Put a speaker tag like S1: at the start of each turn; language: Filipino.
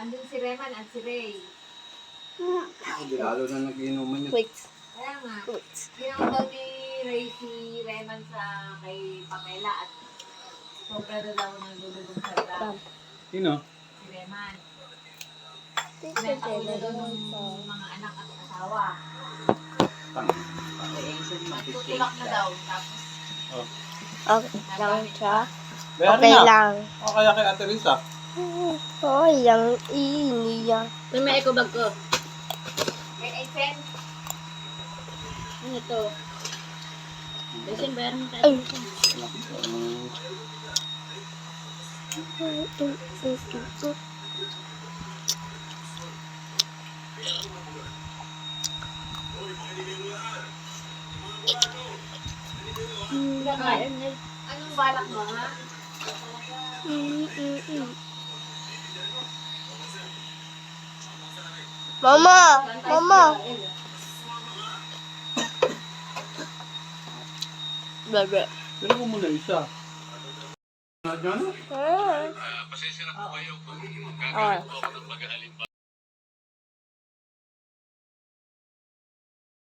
S1: andun si Reman at si Ray.
S2: Hindi lalo na nag-inuman yun.
S3: Wait.
S1: Kaya nga,
S3: Wait.
S1: ginawa daw ni Ray si Reman sa kay Pamela at sobra daw nagdudugong sa drum.
S2: Sino?
S1: Si Reman.
S3: Tito
S1: Pinatawin na daw
S3: Tele.
S1: ng mga anak at asawa.
S2: Tang.
S1: Tutulak na daw. Tapos,
S2: Oh.
S3: Okay lang siya.
S2: Bayaran
S3: Okay
S2: na.
S3: lang.
S2: O kaya kay Ate Risa.
S3: Oh, yung iniya.
S4: May eco bag ko.
S1: kay Aysen,
S4: Ano to? Kasi bayaran mo tayo.
S3: Ay.
S1: anong balak mo ha?
S3: Mama! Mama! Bebe.
S2: Pero ko muna isa. Ano?
S3: Ah.
S5: Pasensya na po kayo kung
S3: Ah.
S5: gagawin po ako ng mag-aalimba